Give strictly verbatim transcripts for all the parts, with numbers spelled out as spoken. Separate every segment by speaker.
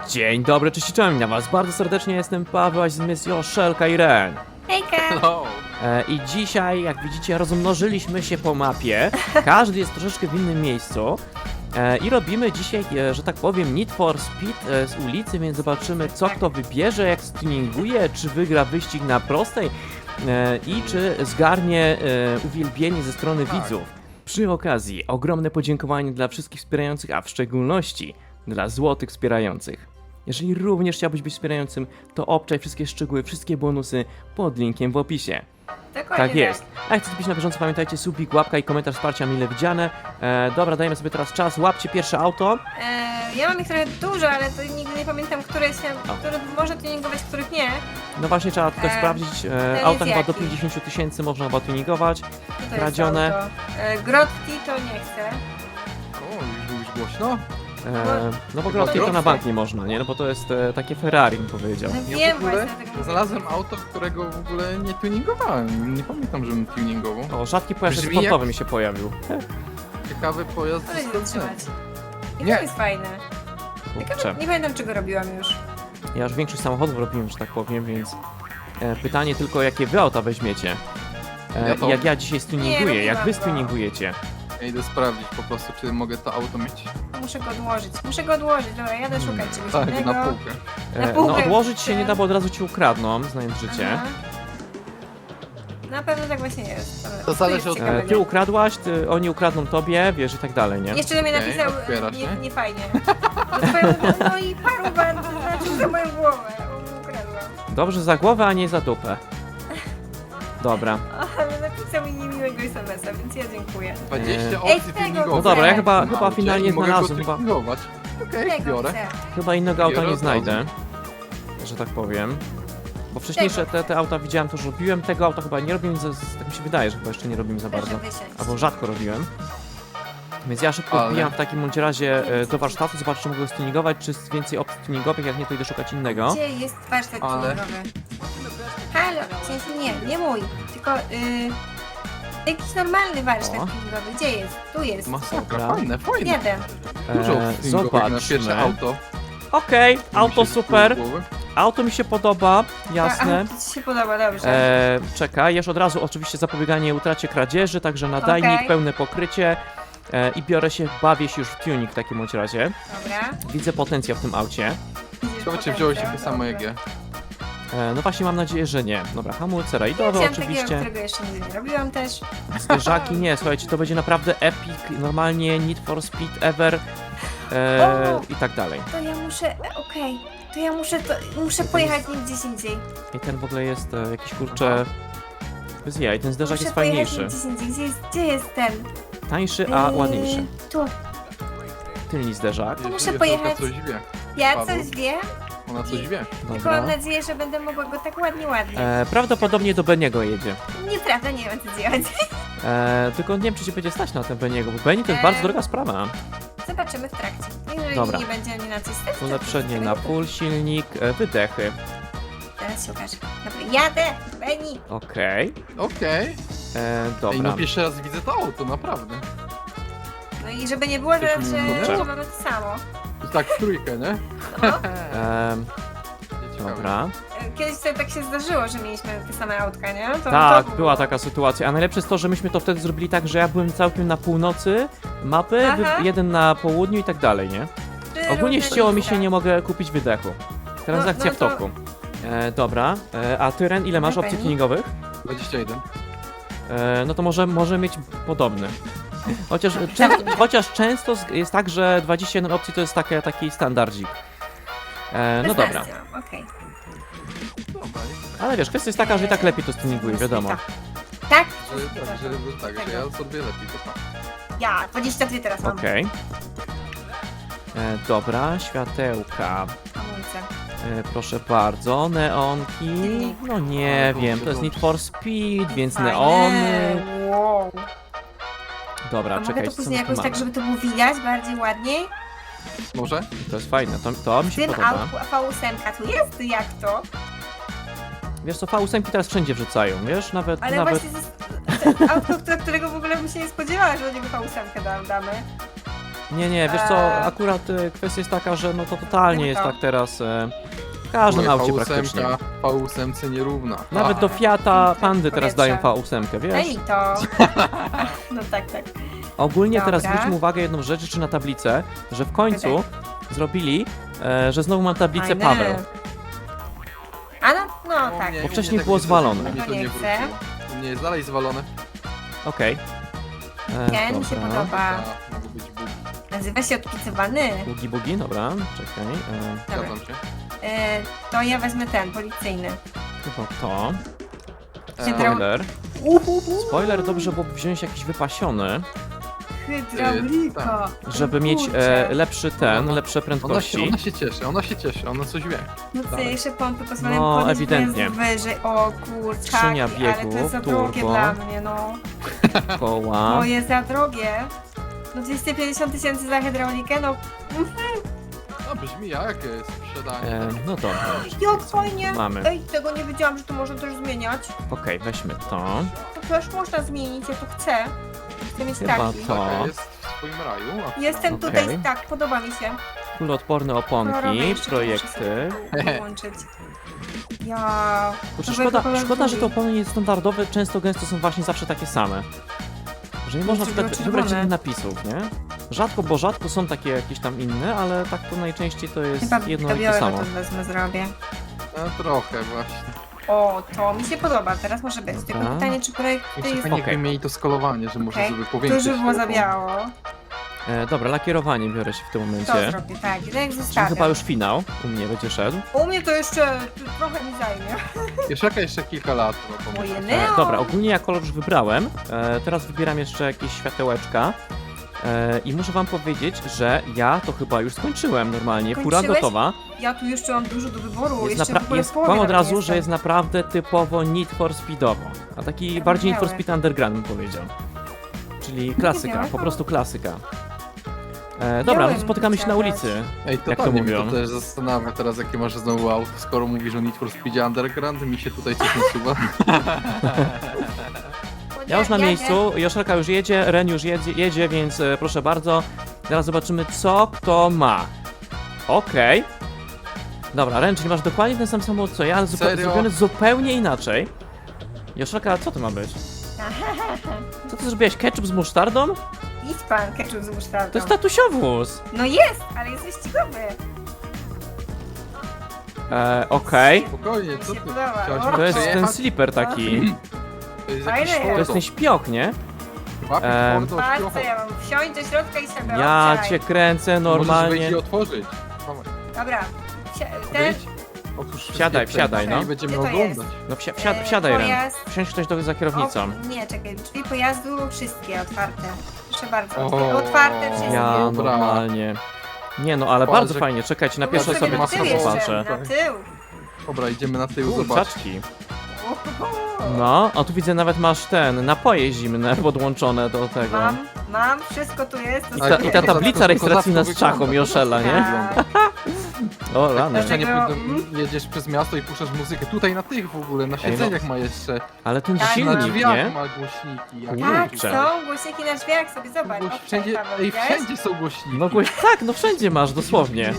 Speaker 1: Dzień dobry, cześć i czołem na was. Bardzo serdecznie jestem Paweł, a z nami jest Joszelka i Ren.
Speaker 2: Hejka!
Speaker 3: Hello.
Speaker 1: E, I dzisiaj, jak widzicie, rozmnożyliśmy się po mapie. Każdy jest troszeczkę w innym miejscu. E, I robimy dzisiaj, e, że tak powiem, Need for Speed e, z ulicy, więc zobaczymy, co kto wybierze, jak stuninguje, czy wygra wyścig na prostej e, i czy zgarnie e, uwielbienie ze strony
Speaker 3: Tak.
Speaker 1: widzów. Przy okazji, ogromne podziękowanie dla wszystkich wspierających, a w szczególności dla złotych wspierających. Jeżeli również chciałbyś być wspierającym, to obczaj wszystkie szczegóły, wszystkie bonusy pod linkiem w opisie.
Speaker 2: Dokładnie
Speaker 1: Tak jest. A jak chcecie być na bieżąco, pamiętajcie, subik, łapka i komentarz wsparcia mile widziane. E, dobra, dajemy sobie teraz czas, łapcie pierwsze auto.
Speaker 2: E, ja mam ich trochę dużo, ale to nigdy nie pamiętam, które się,
Speaker 1: O.
Speaker 2: które można tuningować, których nie.
Speaker 1: No właśnie, trzeba tutaj
Speaker 2: E,
Speaker 1: sprawdzić, e,
Speaker 2: jest
Speaker 1: auta chyba do
Speaker 2: jaki?
Speaker 1: pięćdziesiąt tysięcy można chyba tuningować.
Speaker 2: Co to jest
Speaker 1: Kradzione.
Speaker 2: auto? E, Grotti to nie chcę.
Speaker 3: O, już mówisz głośno?
Speaker 1: E, no bo
Speaker 3: Chyba
Speaker 1: grotki to na
Speaker 3: droższe.
Speaker 1: bank nie można, nie? No bo to jest e, takie Ferrari, bym powiedział.
Speaker 2: No
Speaker 3: Ja
Speaker 2: wiem
Speaker 3: w ogóle
Speaker 2: właśnie, dlatego mówię.
Speaker 3: znalazłem auto, którego w ogóle nie tuningowałem. Nie pamiętam, żebym tuningował.
Speaker 1: O, rzadki pojazd
Speaker 3: Brzmi
Speaker 1: sportowy
Speaker 3: jak-
Speaker 1: mi się pojawił.
Speaker 3: Ciekawy pojazd
Speaker 2: Ale
Speaker 3: z
Speaker 2: nie
Speaker 3: Stanów.
Speaker 2: zatrzymać. I
Speaker 3: Nie.
Speaker 2: to jest fajne.
Speaker 1: Kurczę.
Speaker 2: Ciekawe, nie pamiętam, czego robiłam już.
Speaker 1: Ja już większość samochodów robiłem, że tak powiem, więc e, pytanie tylko, jakie wy auta weźmiecie. E,
Speaker 3: Ja to-
Speaker 1: Jak ja dzisiaj stuninguję,
Speaker 2: Nie,
Speaker 1: jak wy
Speaker 2: robiłam go.
Speaker 1: stuningujecie.
Speaker 3: Ja idę sprawdzić po prostu, czy mogę to auto mieć.
Speaker 2: Muszę go odłożyć. Muszę go odłożyć. Dobra, jadę szukać czegoś
Speaker 3: Tak,
Speaker 2: innego.
Speaker 3: na półkę.
Speaker 2: Na
Speaker 1: E,
Speaker 2: półkę
Speaker 1: no odłożyć się
Speaker 2: chcę.
Speaker 1: nie da, bo od razu ci ukradną, znając życie.
Speaker 2: Aha. Na pewno tak właśnie jest. Dobra,
Speaker 3: To zależy
Speaker 2: jest
Speaker 3: od-
Speaker 1: E,
Speaker 2: ciekawego.
Speaker 1: ty ukradłaś, ty, oni ukradną tobie, wiesz, i tak dalej, nie?
Speaker 2: Jeszcze do mnie
Speaker 3: Okej,
Speaker 2: napisał,
Speaker 3: otwiera
Speaker 2: nie,
Speaker 3: się.
Speaker 2: nie fajnie. No, twoją, no i paruwa znaczył za moją głowę, bo ukradłam.
Speaker 1: Dobrze za głowę, a nie za dupę. Dobra.
Speaker 2: Ale napisał mi niemiłego es em es a, więc ja dziękuję.
Speaker 3: dwadzieścia
Speaker 2: Ej,
Speaker 3: opcji
Speaker 2: tego
Speaker 3: tuningowych.
Speaker 1: No dobra, ja
Speaker 2: chcę.
Speaker 1: chyba,
Speaker 3: w
Speaker 1: chyba
Speaker 3: aucie
Speaker 1: finalnie
Speaker 3: i mogę go
Speaker 1: znalazłem, chyba,
Speaker 3: tuningować. Okej,
Speaker 2: Tego
Speaker 3: biorę.
Speaker 2: chcę.
Speaker 1: chyba innego auta
Speaker 3: Biorę
Speaker 1: nie
Speaker 3: od
Speaker 1: znajdę. Że tak powiem. Bo wcześniejsze te, te auta widziałem, to już robiłem, tego auta chyba nie robiłem, za, tak mi się wydaje, że chyba jeszcze nie robimy za
Speaker 2: Proszę
Speaker 1: bardzo.
Speaker 2: wysiąść.
Speaker 1: Albo rzadko robiłem. Więc ja szybko
Speaker 3: Ale-
Speaker 1: wbijam w takim bądź razie e, do warsztatu, zobaczę czy mogę go stuningować, czy jest więcej opcji tuningowych, jak nie to idę szukać innego.
Speaker 2: Gdzie jest warsztat
Speaker 3: Ale-
Speaker 2: tuningowy? Halo, w sensie nie, nie mój, tylko y, jakiś normalny warsztat
Speaker 1: O.
Speaker 2: tuningowy. Gdzie jest? Tu jest.
Speaker 3: Masakra,
Speaker 1: Dobra.
Speaker 3: fajne, fajne.
Speaker 2: Jadę.
Speaker 3: Dużo
Speaker 1: E,
Speaker 3: opcji tuningowych na pierwsze
Speaker 1: zobaczmy.
Speaker 3: auto.
Speaker 1: Okej, auto
Speaker 3: Mi się
Speaker 1: super,
Speaker 3: z głowy.
Speaker 1: auto mi się podoba, jasne.
Speaker 2: A, a, to ci się podoba, dobrze.
Speaker 1: E, czekaj, już od razu oczywiście zapobieganie utracie kradzieży, także nadajnik,
Speaker 2: Okej.
Speaker 1: pełne pokrycie e, i biorę się, bawię się już w tuning w takim bądź razie.
Speaker 2: Dobra.
Speaker 1: Widzę potencjał w tym aucie.
Speaker 3: Ciekawe, czy wziąłeś takie samo jak ja.
Speaker 1: E, no właśnie mam nadzieję, że nie. Dobra, hamulce rajdowe
Speaker 2: Wziąłem takiego,
Speaker 1: oczywiście.
Speaker 2: którego jeszcze nigdy nie robiłam też.
Speaker 1: Zderzaki nie, słuchajcie, to będzie naprawdę epic, normalnie Need for Speed ever e,
Speaker 2: O!
Speaker 1: i tak dalej.
Speaker 2: To ja muszę, e, okej, to ja muszę, to, muszę pojechać nim gdzieś indziej.
Speaker 1: I ten w ogóle jest e, jakiś kurczę... Bez jaj, ten zderzak
Speaker 2: Muszę
Speaker 1: jest
Speaker 2: pojechać
Speaker 1: fajniejszy.
Speaker 2: nim gdzieś indziej. Gdzie jest, gdzie jest ten?
Speaker 1: Tańszy, a
Speaker 2: Yy,
Speaker 1: ładniejszy.
Speaker 2: Tu.
Speaker 1: Tylny zderzak.
Speaker 2: To muszę
Speaker 3: Joszelka
Speaker 2: pojechać.
Speaker 3: coś wie.
Speaker 2: Ja
Speaker 3: Paweł.
Speaker 2: coś wiem,
Speaker 3: Ona coś wie.
Speaker 2: tylko
Speaker 1: Dobra.
Speaker 2: mam nadzieję, że będę mogła go tak ładnie, ładnie.
Speaker 1: E, prawdopodobnie do Beniego jedzie.
Speaker 2: Nieprawda, nie wiem co działać.
Speaker 1: E, tylko nie wiem, czy się będzie stać na ten Beniego, bo Beni to jest
Speaker 2: E,
Speaker 1: bardzo droga sprawa.
Speaker 2: Zobaczymy w trakcie. Jeżeli
Speaker 1: Dobra.
Speaker 2: nie będzie ani na coś stać, to
Speaker 1: Ulepszenie na
Speaker 2: to-
Speaker 1: full, silnik, e, wydechy.
Speaker 2: Teraz się okaże. Dobra, jadę, Beni.
Speaker 1: Okej.
Speaker 3: Okej.
Speaker 1: E,
Speaker 3: Ej,
Speaker 1: Dobra.
Speaker 3: no pierwszy raz widzę to auto, naprawdę.
Speaker 2: No i żeby nie było teraz, że
Speaker 1: Kurczę.
Speaker 2: że mamy to samo.
Speaker 3: Tak w trójkę, nie?
Speaker 2: No.
Speaker 1: E,
Speaker 3: Ciekawe.
Speaker 1: dobra.
Speaker 2: Kiedyś sobie tak się zdarzyło, że mieliśmy te same autka, nie? To,
Speaker 1: Tak,
Speaker 2: to
Speaker 1: była
Speaker 2: było.
Speaker 1: taka sytuacja. A najlepsze jest to, że myśmy to wtedy zrobili tak, że ja byłem całkiem na północy mapy, wy,
Speaker 2: Aha.
Speaker 1: jeden na południu i tak dalej, nie?
Speaker 2: Trzy
Speaker 1: Ogólnie
Speaker 2: różne
Speaker 1: ścięło mi
Speaker 2: miejsca.
Speaker 1: się, nie mogę kupić wydechu. Transakcja
Speaker 2: No- no
Speaker 1: w
Speaker 2: to-
Speaker 1: toku. E, dobra. E, a ty, Ren, ile masz
Speaker 2: Dobra,
Speaker 1: opcji
Speaker 2: Beni.
Speaker 1: tuningowych?
Speaker 3: dwadzieścia jeden.
Speaker 1: E, no to może, może mieć podobny. Chociaż, czę, chociaż często z- jest tak, że dwadzieścia jeden opcji to jest takie, taki standardzik. E, no dobra.
Speaker 2: szesnaście mam, okej.
Speaker 3: Dobra.
Speaker 1: Ale wiesz, kwestia jest taka, że i tak lepiej to stuninguje, wiadomo.
Speaker 2: Tak?
Speaker 3: Że, tak, że, że, tak, że ja sobie lepiej to tak.
Speaker 2: Ja, dwadzieścia dwa teraz mam.
Speaker 1: Okej. E, dobra, światełka.
Speaker 2: Hamulce.
Speaker 1: E, proszę bardzo, neonki. No nie
Speaker 3: Ale to
Speaker 1: wiem,
Speaker 3: się
Speaker 1: to jest Need
Speaker 3: dobrze.
Speaker 1: for Speed, więc
Speaker 2: Fajne.
Speaker 1: neony.
Speaker 2: Wow.
Speaker 1: Dobra,
Speaker 2: A mogę
Speaker 1: czekaj,
Speaker 2: to
Speaker 1: co
Speaker 2: później
Speaker 1: my tu
Speaker 2: jakoś tak,
Speaker 1: mamy?
Speaker 2: żeby to było widać bardziej ładniej?
Speaker 3: Może?
Speaker 1: To jest fajne, to, to mi
Speaker 2: W
Speaker 1: się
Speaker 2: tym
Speaker 1: podoba.
Speaker 2: autku V osiem tu jest? Jak to?
Speaker 1: Wiesz co, V osiem teraz wszędzie wrzucają, wiesz? Nawet,
Speaker 2: Ale
Speaker 1: nawet...
Speaker 2: właśnie to jest to autko, które- którego w ogóle bym się nie spodziewała, że do niego V osiem da- damy.
Speaker 1: Nie, nie, wiesz co,
Speaker 2: Eee.
Speaker 1: akurat e, kwestia jest taka, że no to totalnie jest
Speaker 2: Tylko.
Speaker 1: tak teraz e, w każdym
Speaker 3: Moje
Speaker 1: aucie
Speaker 3: V osiem
Speaker 1: praktycznie.
Speaker 3: V osiem nierówna.
Speaker 1: Nawet
Speaker 3: A,
Speaker 1: do Fiata Pandy teraz dają V
Speaker 2: Powietrze.
Speaker 1: osiem, wiesz?
Speaker 2: Ej, to... No tak, tak.
Speaker 1: Ogólnie teraz
Speaker 2: Dobra.
Speaker 1: zwróćmy uwagę jedną rzecz, czy na tablicę, że w końcu zrobili, e, że znowu mam tablicę
Speaker 2: Fajne.
Speaker 1: Paweł.
Speaker 2: A no, no
Speaker 3: u
Speaker 2: tak.
Speaker 3: mnie-
Speaker 1: Bo
Speaker 3: u
Speaker 1: wcześniej
Speaker 3: mnie tak
Speaker 1: było
Speaker 3: nie
Speaker 1: zwalone.
Speaker 3: zrobiło, u mnie to
Speaker 2: Nie
Speaker 3: nie
Speaker 2: chcę.
Speaker 3: wróciło. U mnie jest dalej zwalone.
Speaker 1: Okej. E,
Speaker 2: Nie, mi się
Speaker 1: dobra.
Speaker 2: podoba.
Speaker 3: A, mogą być bugi.
Speaker 2: Nazywa się odpicowany.
Speaker 1: Bugi, bugi, dobra, czekaj. E,
Speaker 2: Dobra.
Speaker 3: Zgadzam się.
Speaker 2: E, to ja wezmę ten, policyjny.
Speaker 1: chyba to.
Speaker 2: Hydro...
Speaker 1: Spoiler.
Speaker 2: Uhuhu.
Speaker 1: Spoiler, dobrze byłoby wziąć jakiś wypasiony,
Speaker 2: Hydraulika.
Speaker 1: żeby mieć
Speaker 2: Kurczę.
Speaker 1: e, lepszy ten,
Speaker 3: Ona-
Speaker 1: lepsze
Speaker 3: Ona się,
Speaker 1: prędkości.
Speaker 3: ona się cieszy, ona się cieszy, ona coś wie.
Speaker 2: Mocniejsze pompy pozwalają
Speaker 1: No,
Speaker 2: podnieść
Speaker 1: ewidentnie.
Speaker 2: pojazd wyżej. O kurczaki,
Speaker 1: Skrzynia
Speaker 2: ale to
Speaker 1: biegów,
Speaker 2: jest za drogie
Speaker 1: turbo.
Speaker 2: dla mnie, no.
Speaker 1: Koła.
Speaker 2: To jest za drogie. No dwieście pięćdziesiąt tysięcy za hydraulikę, no.
Speaker 3: No brzmi jak sprzedanie.
Speaker 1: E, no dobra.
Speaker 2: Jak fajnie.
Speaker 1: Mamy.
Speaker 2: Ej, tego nie wiedziałam, że to można też zmieniać.
Speaker 1: Okej, weźmy to.
Speaker 2: To też można zmienić, ja to chcę. Chcę mieć
Speaker 1: Chyba
Speaker 2: taki.
Speaker 1: to.
Speaker 3: Taka jest w swoim raju. A
Speaker 2: Jestem
Speaker 1: Okej.
Speaker 2: tutaj, tak, podoba mi się.
Speaker 1: Kuloodporne
Speaker 2: Kolorowe
Speaker 1: oponki,
Speaker 2: jeszcze
Speaker 1: projekty.
Speaker 2: muszę sobie połączyć. Ja.
Speaker 1: Kurczę,
Speaker 2: nowego
Speaker 1: szkoda,
Speaker 2: koloru
Speaker 1: szkoda, że te
Speaker 2: drugi.
Speaker 1: opony niestandardowe często gęsto są właśnie zawsze takie same. Że nie można na
Speaker 2: Dlaczego
Speaker 1: przykład wybrać
Speaker 2: czerwone?
Speaker 1: innych napisów, nie? Rzadko, bo rzadko są takie jakieś tam inne, ale tak to najczęściej to jest
Speaker 2: Chyba
Speaker 1: jedno
Speaker 2: to
Speaker 1: i to
Speaker 2: białego
Speaker 1: samo.
Speaker 2: to wezmę, zrobię.
Speaker 3: No, trochę właśnie.
Speaker 2: O, to mi się podoba, teraz może być. Tylko
Speaker 1: Dobra.
Speaker 2: pytanie, czy projekt
Speaker 3: Jeszcze
Speaker 2: jest...
Speaker 3: fajnie
Speaker 1: Okej.
Speaker 3: jakby mieli to skalowanie, że może
Speaker 2: Okej.
Speaker 3: żeby
Speaker 2: To
Speaker 3: powiększyć.
Speaker 2: już by było
Speaker 3: te
Speaker 2: za
Speaker 3: opony.
Speaker 2: biało.
Speaker 1: E, dobra, lakierowanie biorę się w tym
Speaker 2: To
Speaker 1: momencie.
Speaker 2: zrobię, tak. I tak
Speaker 1: Czyli
Speaker 2: zostawiam.
Speaker 1: chyba już finał u mnie będzie szedł.
Speaker 2: U mnie to jeszcze trochę mi zajmie.
Speaker 3: Jeszcze jeszcze kilka lat. No, to
Speaker 2: Moje
Speaker 3: może.
Speaker 2: ne-
Speaker 1: E, dobra, ogólnie ja kolor już wybrałem. E, teraz wybieram jeszcze jakieś światełeczka. E, I muszę wam powiedzieć, że ja to chyba już skończyłem normalnie. Fura
Speaker 2: Kończyłeś?
Speaker 1: gotowa.
Speaker 2: Ja tu jeszcze mam dużo do wyboru.
Speaker 1: Jest,
Speaker 2: jeszcze
Speaker 1: napra-
Speaker 2: w ogóle
Speaker 1: jest
Speaker 2: w połowie
Speaker 1: powiem od
Speaker 2: nawet
Speaker 1: razu,
Speaker 2: nie
Speaker 1: że jest naprawdę typowo Need for Speedowo. A taki
Speaker 2: Tak
Speaker 1: bardziej Need for
Speaker 2: miałe.
Speaker 1: Speed Underground bym powiedział. Czyli klasyka,
Speaker 2: miałe,
Speaker 1: po
Speaker 2: no.
Speaker 1: prostu klasyka. E, dobra, no
Speaker 2: Miałem
Speaker 1: to spotykamy się na
Speaker 2: chciałaś.
Speaker 1: ulicy.
Speaker 3: Ej,
Speaker 1: Jak to
Speaker 3: totalnie mnie
Speaker 1: mówią?
Speaker 3: to też zastanawia teraz, jakie masz znowu auto, skoro mówisz o Need for Speed Underground, mi się tutaj coś nasuwa.
Speaker 1: Ja już na
Speaker 2: Jadę.
Speaker 1: miejscu, Joszelka już jedzie, Ren już jedzie, jedzie więc e, proszę bardzo. Teraz zobaczymy, co kto ma. Okej. Dobra, Ren, czyli masz dokładnie ten sam samochód co ja, ale zupe-
Speaker 3: Serio?
Speaker 1: zrobiony zupełnie inaczej. Joszelka, co to ma być? Co ty zrobiłeś? Ketchup z musztardą?
Speaker 2: Idź pan, ketchup z musztardą.
Speaker 1: To jest tatusiowóz.
Speaker 2: No jest, ale jest wyścigowy.
Speaker 1: E, Okej.
Speaker 3: Spokojnie, co
Speaker 2: Mi się
Speaker 3: ty?
Speaker 2: podoba.
Speaker 3: Chciałaś
Speaker 2: O,
Speaker 3: mnie
Speaker 1: To jest ten
Speaker 3: przejechać?
Speaker 1: slipper taki.
Speaker 3: To jest
Speaker 2: Fajne
Speaker 3: jakiś
Speaker 2: jest.
Speaker 1: To jest ten śpioch, nie?
Speaker 3: Łapie
Speaker 1: Em,
Speaker 3: twardo,
Speaker 2: Patrz,
Speaker 3: śpiocho.
Speaker 2: co ja mam wsiąść do środka i sobie
Speaker 1: Ja
Speaker 2: obczaj.
Speaker 1: cię kręcę
Speaker 3: Możesz
Speaker 1: normalnie.
Speaker 3: wejść i otworzyć. Dawaj,
Speaker 2: Dobra. Wsi- Ten,
Speaker 3: wyjdź. Otwórz wszystkie
Speaker 1: Wsiadaj,
Speaker 3: przejścia
Speaker 1: wsiadaj, no.
Speaker 3: I będziemy
Speaker 2: Gdzie to
Speaker 3: oglądać.
Speaker 1: No wsi wsiad
Speaker 2: e,
Speaker 1: wsiadaj, Ren.
Speaker 2: pojazd.
Speaker 1: Wsiądź ktoś do, za kierownicą.
Speaker 2: O, nie, czekaj, drzwi pojazdu wszystkie otwarte. Proszę bardzo,
Speaker 3: O,
Speaker 2: otwarte wszystkie.
Speaker 1: Ja
Speaker 3: Dobra.
Speaker 1: normalnie. Nie no, ale
Speaker 3: Patrz,
Speaker 1: bardzo
Speaker 3: jak-
Speaker 1: fajnie, czekajcie, na
Speaker 2: Bo
Speaker 1: pierwsze
Speaker 2: sobie
Speaker 1: sobie
Speaker 2: na
Speaker 3: masę
Speaker 2: tył
Speaker 1: to
Speaker 2: jeszcze,
Speaker 1: zobaczę.
Speaker 2: na tył.
Speaker 3: Dobra, idziemy na tył, zobacz.
Speaker 1: Kurczaczki.
Speaker 2: Uhuhu.
Speaker 1: No, a tu widzę nawet masz ten, napoje zimne podłączone do tego.
Speaker 2: Mam, mam, wszystko tu jest. to
Speaker 1: I
Speaker 3: Ale
Speaker 1: ta,
Speaker 2: sobie-
Speaker 1: i ta
Speaker 3: kozacko-
Speaker 1: tablica rejestracyjna z
Speaker 3: kozacko
Speaker 1: czachą
Speaker 3: wygląda.
Speaker 1: Joszela, nie?
Speaker 2: Tak.
Speaker 1: O rany.
Speaker 3: Jeszcze nie
Speaker 2: Dlatego-
Speaker 3: pójdę, jedziesz przez miasto i puszczasz muzykę. Tutaj na tych w ogóle, na
Speaker 1: no.
Speaker 3: siedzeniach ma jeszcze.
Speaker 1: Ale ten
Speaker 2: Tak,
Speaker 3: Na
Speaker 1: silnik,
Speaker 3: drzwiach
Speaker 1: nie?
Speaker 3: ma głośniki. Jak
Speaker 2: Tak,
Speaker 1: Kurczę.
Speaker 2: są głośniki na drzwiach, sobie zobacz.
Speaker 3: Głoś-
Speaker 2: O,
Speaker 3: wszędzie,
Speaker 2: Paweł,
Speaker 3: ej,
Speaker 2: widziałeś?
Speaker 3: wszędzie są głośniki.
Speaker 1: No głoś... tak, no wszędzie masz, dosłownie.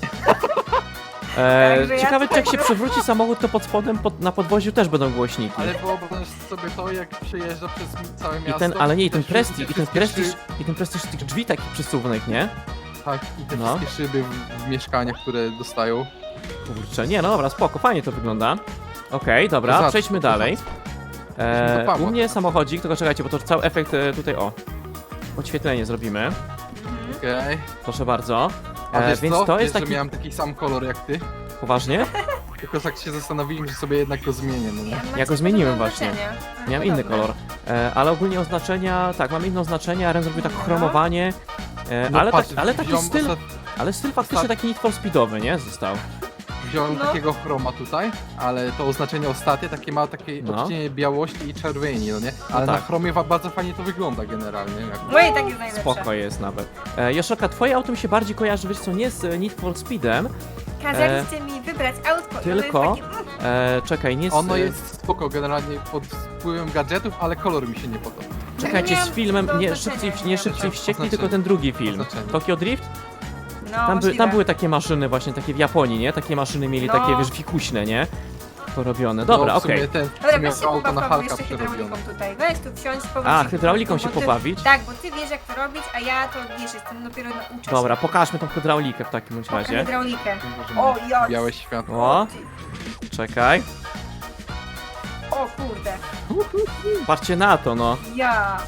Speaker 1: E,
Speaker 2: Także ja
Speaker 1: ciekawe, czy
Speaker 2: tutaj-
Speaker 1: jak się przewróci samochód, to pod spodem, pod, na podwoziu też będą głośniki.
Speaker 3: Ale wyobraź sobie to, jak przejeżdża przez całe
Speaker 1: I
Speaker 3: miasto.
Speaker 1: ten, ale nie, i ten
Speaker 3: te
Speaker 1: prestiż,
Speaker 3: wszystkie
Speaker 1: i ten prestiż,
Speaker 3: szy-
Speaker 1: i ten prestiż tych drzwi takich przesuwnych, nie?
Speaker 3: Tak, i te
Speaker 1: No.
Speaker 3: wszystkie szyby w, w mieszkaniach, które dostają.
Speaker 1: Kurczę, nie, no dobra, spoko, fajnie to wygląda. Okej, dobra,
Speaker 3: Kozacko,
Speaker 1: przejdźmy dalej.
Speaker 3: Przejdźmy do
Speaker 1: E,
Speaker 3: Pawła
Speaker 1: u mnie
Speaker 3: teraz.
Speaker 1: samochodzik, tylko czekajcie, bo to cały efekt e, tutaj, o. Podświetlenie zrobimy,
Speaker 2: Mhm.
Speaker 3: Okej.
Speaker 1: proszę bardzo.
Speaker 3: A
Speaker 1: E,
Speaker 3: wiesz
Speaker 1: więc
Speaker 3: co?
Speaker 1: to
Speaker 3: Wiesz,
Speaker 1: jest
Speaker 3: że
Speaker 1: taki,
Speaker 3: miałem taki sam kolor jak ty.
Speaker 1: poważnie?
Speaker 3: Tylko tak się zastanowiłem, że sobie jednak go zmienię, no nie?
Speaker 2: Ja
Speaker 1: Ja go zmieniłem właśnie. Miałem inny kolor. E, ale ogólnie oznaczenia, tak, mam inne oznaczenia, Ren zrobił tak
Speaker 2: No.
Speaker 1: chromowanie. E,
Speaker 3: No
Speaker 1: ale,
Speaker 3: patrz,
Speaker 1: tak, ale taki
Speaker 3: wziąłem
Speaker 1: styl,
Speaker 3: ostat-
Speaker 1: ale styl faktycznie taki Need for Speedowy, nie? Został.
Speaker 3: Wziąłem
Speaker 2: No.
Speaker 3: takiego chroma tutaj, ale to oznaczenie ostatnie takie ma takie
Speaker 1: No.
Speaker 3: odcienie białości i czerwieni, no nie? Ale na
Speaker 1: tak.
Speaker 3: chromie wa- bardzo fajnie to wygląda generalnie. Jak...
Speaker 2: No i tak jest najlepsze.
Speaker 1: Spoko jest nawet. E, Joszelka, twoje auto mi się bardziej kojarzy, wiesz co, nie z e, Need for Speedem,
Speaker 2: Kazaliście mi wybrać autko. i ono
Speaker 1: tylko-
Speaker 2: jest takie, mm,
Speaker 1: e, czekaj, nie z...
Speaker 3: Ono
Speaker 1: e,
Speaker 3: jest spoko generalnie pod wpływem gadżetów, ale kolor mi się nie podoba.
Speaker 1: Czekajcie,
Speaker 2: Nie
Speaker 1: z
Speaker 2: mam
Speaker 1: filmem,
Speaker 2: do
Speaker 1: nie
Speaker 2: znaczenia,
Speaker 1: szybciej,
Speaker 2: nie
Speaker 1: nie
Speaker 2: mam
Speaker 1: szybciej
Speaker 3: do
Speaker 1: wściekli,
Speaker 3: znaczenia.
Speaker 1: tylko ten drugi film.
Speaker 3: Oznaczenie.
Speaker 1: Tokyo Drift?
Speaker 2: No,
Speaker 1: Tam, by,
Speaker 2: możliwe.
Speaker 1: tam były takie maszyny właśnie, takie w Japonii, nie? Takie maszyny mieli
Speaker 2: No.
Speaker 1: takie, wiesz, fikuśne, nie? Porobione. Dobra,
Speaker 3: no, w sumie
Speaker 1: okej.
Speaker 3: ten,
Speaker 2: Dobra,
Speaker 3: w sumie
Speaker 2: weź się
Speaker 3: auto na
Speaker 2: pobaw
Speaker 3: Halka
Speaker 2: jeszcze hydrauliką
Speaker 3: przerobione.
Speaker 2: tutaj. Weź tu wsiąść, powróć.
Speaker 1: A,
Speaker 2: się
Speaker 1: hydrauliką
Speaker 2: po
Speaker 1: się
Speaker 2: prostu, bo
Speaker 1: pobawić?
Speaker 2: Ty, tak, bo ty wiesz jak to robić, a ja to wiesz, jestem dopiero nauczę
Speaker 1: Dobra,
Speaker 2: się.
Speaker 1: pokażmy tą hydraulikę w takim bądź
Speaker 2: Pokaż
Speaker 1: razie.
Speaker 2: hydraulikę.
Speaker 3: Może
Speaker 2: O, ja.
Speaker 3: Białe światło.
Speaker 1: O, czekaj.
Speaker 2: O kurde.
Speaker 1: Patrzcie na to, no.
Speaker 2: Ja.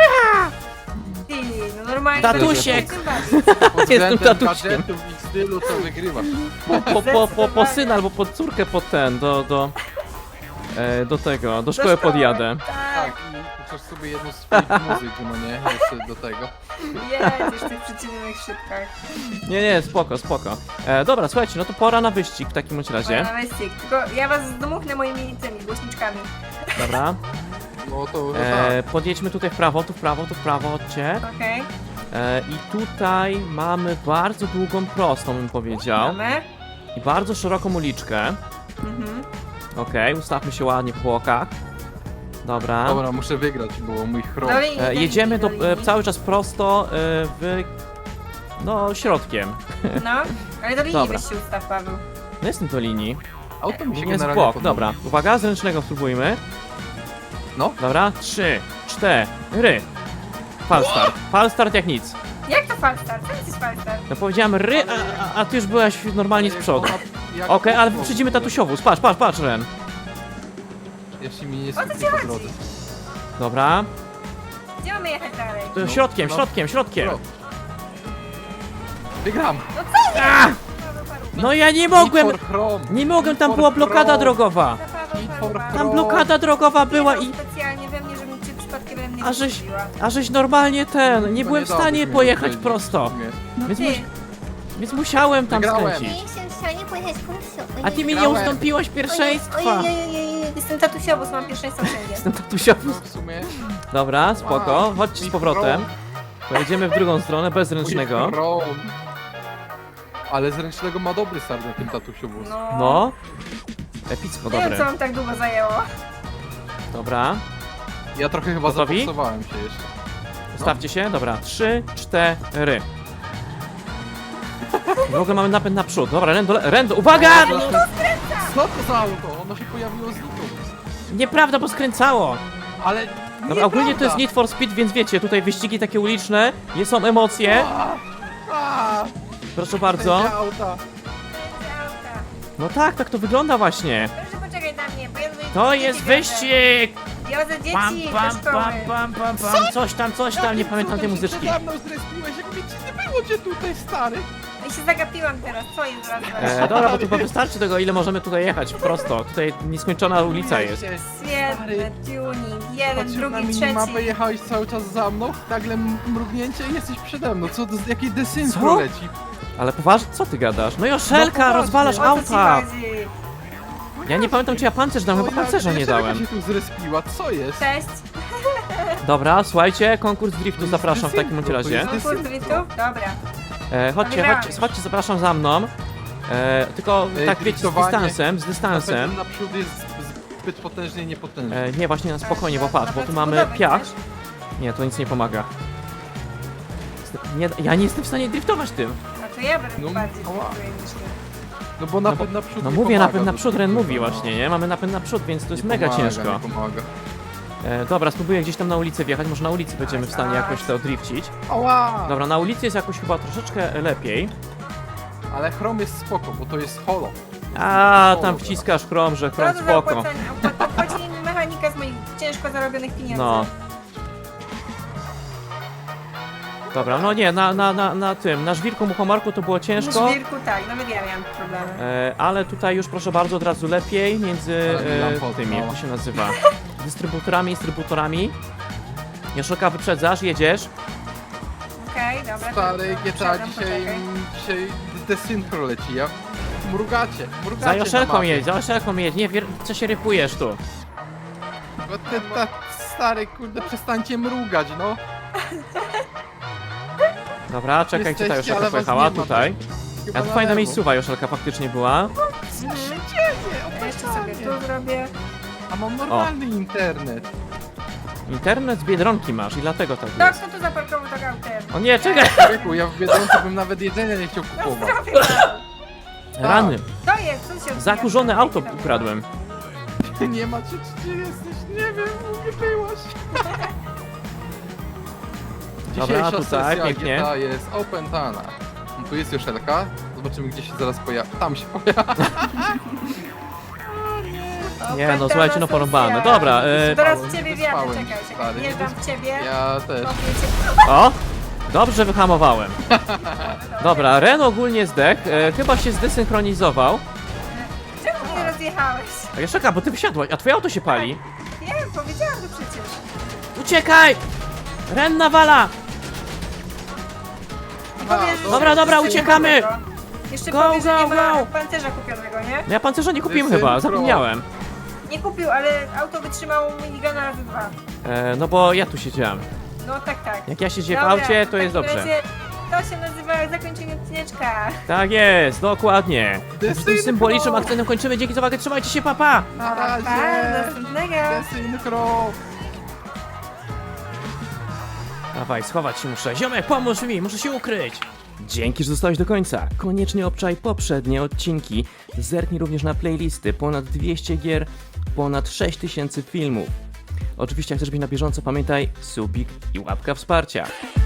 Speaker 2: Ty, no normalnie.
Speaker 1: Tatusiek.
Speaker 2: to jest najbardziej.
Speaker 3: Pod
Speaker 1: Jestem
Speaker 3: względem
Speaker 1: tatuśkiem.
Speaker 3: gadżetów i stylu to wygrywasz.
Speaker 1: Po, po, po, po, po syna
Speaker 2: Zdecydowanie.
Speaker 1: albo po córkę, po ten, do, do, e, do tego, do
Speaker 2: Do
Speaker 1: szkoły
Speaker 2: szkoły,
Speaker 1: podjadę.
Speaker 3: Tak,
Speaker 2: Tak,
Speaker 3: i puszczasz sobie jedną z swoich muzyk, no nie? Jeszcze do tego.
Speaker 2: jedziesz w tych przycinionych szybkach.
Speaker 1: Nie, nie, spoko, spoko. E, dobra, słuchajcie, no to pora na wyścig w takim bądź razie.
Speaker 2: Na wyścig. Tylko ja was zdmuchnę moimi tymi głośniczkami.
Speaker 1: Dobra.
Speaker 3: No to no
Speaker 1: E,
Speaker 3: tak.
Speaker 1: podjedźmy tutaj w prawo, tu w prawo, tu w prawo, chodźcie.
Speaker 2: Okej.
Speaker 1: E, I tutaj mamy bardzo długą prostą, bym powiedział.
Speaker 2: Mamy.
Speaker 1: I bardzo szeroką uliczkę.
Speaker 2: Mhm.
Speaker 1: Okej, ustawmy się ładnie po bokach. Dobra.
Speaker 3: Dobra, muszę wygrać, bo mój chrom.
Speaker 2: Do linii,
Speaker 1: E,
Speaker 2: do
Speaker 1: jedziemy
Speaker 2: linii,
Speaker 1: do, e,
Speaker 2: linii.
Speaker 1: cały czas prosto e, w... No, środkiem.
Speaker 2: No, ale do linii
Speaker 1: Dobra.
Speaker 2: weź się ustaw, Paweł.
Speaker 1: No jestem do linii.
Speaker 3: Auto mi się
Speaker 1: Nie jest w
Speaker 3: generalnie
Speaker 1: bok,
Speaker 3: podoba.
Speaker 1: dobra. Uwaga, z ręcznego spróbujmy.
Speaker 3: No.
Speaker 1: Dobra, trzy, cztery. Falstart. Falstart jak nic.
Speaker 2: Jak to falstart? Co to jest falstart?
Speaker 1: No powiedziałem ry, a, a, a ty już byłaś normalnie z przodu.
Speaker 3: Jak-
Speaker 1: Okej, ale
Speaker 3: jak-
Speaker 1: wyprzedzimy tatusiowóz. Patrz, patrz, patrz, Ren.
Speaker 3: Jeśli mi nie
Speaker 2: O co
Speaker 3: skupi
Speaker 2: ci
Speaker 3: po
Speaker 2: chodzi?
Speaker 3: drodze.
Speaker 1: Dobra.
Speaker 2: Gdzie mamy jechać dalej?
Speaker 1: To
Speaker 3: No,
Speaker 1: środkiem,
Speaker 3: no.
Speaker 1: środkiem, środkiem.
Speaker 3: Pro. Wygram!
Speaker 1: A!
Speaker 2: Paweł, Paweł.
Speaker 1: No ja nie mogłem.
Speaker 3: Need for Chrome.
Speaker 1: Nie mogłem, tam
Speaker 3: Need
Speaker 1: była
Speaker 3: for
Speaker 1: blokada
Speaker 3: Chrome.
Speaker 1: drogowa.
Speaker 2: Za Paweł,
Speaker 3: Need
Speaker 2: Paweł,
Speaker 3: for
Speaker 2: Paweł.
Speaker 1: Tam blokada drogowa była i...
Speaker 2: specjalnie we mnie, żebym cię przypadkiem we mnie
Speaker 1: A żeś,
Speaker 2: wpuściła.
Speaker 1: a żeś normalnie ten, nie
Speaker 3: To
Speaker 1: byłem w
Speaker 3: dałbyś
Speaker 1: stanie
Speaker 3: mi
Speaker 1: pojechać
Speaker 3: wyprzedzić
Speaker 1: prosto.
Speaker 3: w sumie.
Speaker 2: No
Speaker 1: Więc,
Speaker 2: ty,
Speaker 1: mus, więc musiałem tam
Speaker 3: Wygrałem.
Speaker 1: skręcić.
Speaker 4: Nie jestem w stanie pojechać prosto.
Speaker 1: A ty mi nie
Speaker 3: Wygrałem.
Speaker 1: ustąpiłeś pierwszeństwa.
Speaker 2: Ojej, jestem tatusiowóz, mam pierwszeństwo wszędzie.
Speaker 1: Jestem tatusiowóz.
Speaker 3: No w sumie.
Speaker 1: Dobra, spoko, chodźcie z
Speaker 3: Need
Speaker 1: powrotem.
Speaker 3: for
Speaker 1: Pojedziemy w drugą stronę, bez ręcznego.
Speaker 3: Need for Chrome. Ale z ręcznego ma dobry start na tym tatusiu wóz.
Speaker 2: No.
Speaker 1: No. Epicko,
Speaker 2: Nie wiem,
Speaker 1: dobre.
Speaker 2: co wam tak długo zajęło.
Speaker 1: Dobra,
Speaker 3: Ja trochę chyba
Speaker 1: Gotowi?
Speaker 3: zapoksowałem się jeszcze.
Speaker 1: ustawcie się, dobra, trzy, cztery. W ogóle mamy napęd naprzód. Dobra, Rendo, Rendo, uwaga!
Speaker 3: Co to za auto? Ono się pojawiło znikąd.
Speaker 1: Nieprawda, bo skręcało.
Speaker 3: Ale
Speaker 1: Dobra, ogólnie to jest
Speaker 3: nieprawda.
Speaker 1: Need for Speed, więc wiecie, tutaj wyścigi takie uliczne, nie są emocje.
Speaker 3: A, a,
Speaker 1: Proszę bardzo.
Speaker 3: Będzie auta.
Speaker 2: Będzie auta.
Speaker 1: No tak, tak to wygląda właśnie.
Speaker 2: Proszę poczekaj na mnie, bo ja tutaj
Speaker 1: To
Speaker 2: dzieci
Speaker 1: jest
Speaker 2: wiozę.
Speaker 1: wyścig!
Speaker 2: Wiozę
Speaker 1: Pam,
Speaker 2: dzieci
Speaker 1: pam,
Speaker 2: do szkoły.
Speaker 1: pam, pam, pam, pam. Coś tam, coś tam, nie
Speaker 3: Jakim
Speaker 1: pamiętam tej
Speaker 3: cudem się
Speaker 1: muzyczki.
Speaker 3: przede mną zrespiłeś, jak mnie ci nie było cię tutaj, stary.
Speaker 2: I się zagapiłam teraz, co jest zaraz?
Speaker 1: E, dobra, bo to chyba wystarczy tego, ile możemy tutaj jechać, prosto. Tutaj nieskończona ulica jest.
Speaker 2: Świetny tuning, jeden,
Speaker 3: Patrzysz na
Speaker 2: drugi,
Speaker 3: minimapę,
Speaker 2: trzeci.
Speaker 3: jechałeś cały czas za mną, nagle m- mrugnięcie i jesteś przede mną. Co, to, jakiej desynchro
Speaker 1: Co?
Speaker 3: leci?
Speaker 1: Ale poważnie, co ty gadasz? No Joszelka,
Speaker 3: poważnie.
Speaker 1: rozwalasz
Speaker 2: O co ci
Speaker 1: auta!
Speaker 2: chodzi?
Speaker 1: Ja nie pamiętam, czy ja pancerz dałem, chyba
Speaker 3: O,
Speaker 1: pancerza nie
Speaker 3: Joszelka
Speaker 1: dałem.
Speaker 3: się tu zrespiła, co jest?
Speaker 2: Cześć.
Speaker 1: Dobra, słuchajcie, konkurs driftu
Speaker 3: jest
Speaker 1: zapraszam w takim bądź
Speaker 3: desynchro, to
Speaker 1: razie.
Speaker 3: jest-
Speaker 2: Konkurs driftów? Dobra.
Speaker 1: E, chodźcie,
Speaker 2: Wygrałam
Speaker 1: chodźcie,
Speaker 2: już.
Speaker 1: chodźcie, zapraszam za mną. E, tylko
Speaker 3: Ej,
Speaker 1: tak wiecie, z
Speaker 3: driftowanie.
Speaker 1: dystansem, z dystansem.
Speaker 3: Napęd naprzód jest zbyt potężny i niepotężny.
Speaker 1: E, nie, właśnie na spokojnie, bo
Speaker 2: Na-
Speaker 1: patrz,
Speaker 2: na
Speaker 1: bo tu
Speaker 2: placu
Speaker 1: mamy
Speaker 2: budowy
Speaker 1: piach.
Speaker 2: chcesz?
Speaker 1: Nie, to nic nie pomaga. Nie, ja nie jestem w stanie driftować tym.
Speaker 2: No to ja będę
Speaker 3: No,
Speaker 2: bardziej
Speaker 3: ała.
Speaker 2: driftuję niż ty.
Speaker 3: No bo napęd naprzód
Speaker 1: No
Speaker 3: nie
Speaker 1: mówię,
Speaker 3: pomaga
Speaker 1: napęd
Speaker 3: do
Speaker 1: naprzód, Ren
Speaker 3: driftu,
Speaker 1: mówi
Speaker 3: no.
Speaker 1: właśnie, nie? Mamy napęd naprzód, więc to jest
Speaker 3: Nie
Speaker 1: mega
Speaker 3: pomaga,
Speaker 1: ciężko.
Speaker 3: Nie pomaga.
Speaker 1: E, dobra, spróbuję gdzieś tam na ulicy wjechać, może na ulicy będziemy w stanie jakoś to drifcić.
Speaker 3: Ała!
Speaker 1: Dobra, na ulicy jest jakoś chyba troszeczkę lepiej.
Speaker 3: Ale chrom jest spoko, bo to jest holo.
Speaker 1: A, tam wciskasz chrom, że
Speaker 2: Co
Speaker 1: chrom
Speaker 2: to za
Speaker 1: spoko.
Speaker 2: opłacenie? Opła- Opłacili mi mechanika z moich ciężko zarobionych pieniędzy.
Speaker 1: No. Dobra, no nie, na, na, na, na tym, na żwirku muchomarku to było ciężko.
Speaker 2: W żwirku tak, nawet ja miałam problemy.
Speaker 1: E, ale tutaj już proszę bardzo od razu lepiej między
Speaker 3: Ale
Speaker 1: e,
Speaker 3: lampot,
Speaker 1: tymi,
Speaker 3: no.
Speaker 1: jak to się nazywa, dystrybutorami, dystrybutorami. Joszelka, wyprzedzasz, jedziesz.
Speaker 2: Okej, dobra.
Speaker 3: Stary
Speaker 2: to-
Speaker 3: G T A
Speaker 2: poczekam,
Speaker 3: dzisiaj,
Speaker 2: poczekaj.
Speaker 3: dzisiaj desynchro leci, ja... Mrugacie, mrugacie
Speaker 1: Za
Speaker 3: na
Speaker 1: Joszelką
Speaker 3: mapie.
Speaker 1: jedź, za Joszelką jedź, nie, wier- co się rypujesz tu?
Speaker 3: Bo ty, ta, stary, kurde, przestańcie mrugać, no.
Speaker 1: Dobra, czekaj, gdzie ta
Speaker 3: Jesteście,
Speaker 1: Joszelka
Speaker 3: ale was
Speaker 1: pojechała?
Speaker 3: nie ma.
Speaker 1: Tutaj.
Speaker 3: Chyba
Speaker 1: A tu
Speaker 3: na
Speaker 1: fajna
Speaker 3: lewo.
Speaker 1: miejscowa Joszelka faktycznie była.
Speaker 2: Mhm. Ja jeszcze sobie tu zrobię.
Speaker 3: A mam normalny internet.
Speaker 1: Internet z Biedronki masz i dlatego tak
Speaker 2: No,
Speaker 1: jest.
Speaker 2: kto tu zaparkował tak autem?
Speaker 1: O nie, czekaj!
Speaker 3: Ryku, ja w Biedronce bym nawet jedzenia nie chciał
Speaker 2: No
Speaker 3: kupować.
Speaker 2: zdrowie mam.
Speaker 1: Rany.
Speaker 2: To jest, co się odbija?
Speaker 1: Zakurzone auto ukradłem.
Speaker 3: Nie ma cię, czy ty jesteś? Nie wiem, gdzie byłaś.
Speaker 1: Dobra,
Speaker 3: Dzisiejsza
Speaker 1: tutaj,
Speaker 3: sesja
Speaker 1: pięknie.
Speaker 3: G T A jest opętana. No, tu jest Joszelka. Zobaczymy, gdzie się zaraz pojawi. Tam się pojawi.
Speaker 1: Nie, no słuchajcie, no porąbane. Dobra, e,
Speaker 2: Teraz w
Speaker 3: Wyspałem,
Speaker 2: ciebie wjadę,
Speaker 3: wyspałem
Speaker 2: czekaj,
Speaker 3: się,
Speaker 2: czekaj.
Speaker 3: stary.
Speaker 2: Wjeżdżam w ciebie.
Speaker 3: Ja też.
Speaker 2: Kopię cię.
Speaker 1: o! Dobrze wyhamowałem. Dobra, Ren ogólnie zdech, e, chyba się zdesynchronizował.
Speaker 2: Czemu mnie rozjechałeś?
Speaker 1: A jeszcze czekaj, bo ty wysiadłaś, a twoje auto się pali.
Speaker 2: Nie, powiedziałam to przecież.
Speaker 1: Uciekaj! Ren nawala!
Speaker 2: I powiesz, że
Speaker 1: Dobra, dobra,
Speaker 2: jeszcze
Speaker 1: uciekamy!
Speaker 2: nie ma tego. Jeszcze
Speaker 1: Go,
Speaker 2: powiesz, że
Speaker 1: go,
Speaker 2: nie ma
Speaker 1: go!
Speaker 2: pancerza kupionego, nie?
Speaker 1: No ja pancerza nie kupiłem
Speaker 3: Dysynchro.
Speaker 1: chyba, zapomniałem.
Speaker 2: Nie kupił, ale auto wytrzymało minigana razy dwa.
Speaker 1: E, no bo ja tu siedziałem.
Speaker 2: No tak, tak.
Speaker 1: Jak ja siedzę w
Speaker 2: Dobra,
Speaker 1: aucie,
Speaker 2: w
Speaker 1: to jest
Speaker 2: takim
Speaker 1: dobrze.
Speaker 2: razie To się nazywa zakończenie odcineczka.
Speaker 1: Tak jest, dokładnie. Tym
Speaker 3: Dysynchro.
Speaker 1: symbolicznym akcentem kończymy. Dzięki za uwagę, trzymajcie się, papa!
Speaker 3: Na
Speaker 2: Pa,
Speaker 3: razie.
Speaker 2: do następnego.
Speaker 3: Desynchro.
Speaker 1: Dawaj, schować się muszę. Ziomek, pomóż mi, muszę się ukryć. Dzięki, że zostałeś do końca. Koniecznie obczaj poprzednie odcinki. Zerknij również na playlisty. Ponad dwieście gier, ponad sześć tysięcy filmów. Oczywiście, jak chcesz być na bieżąco, pamiętaj subik i łapka wsparcia.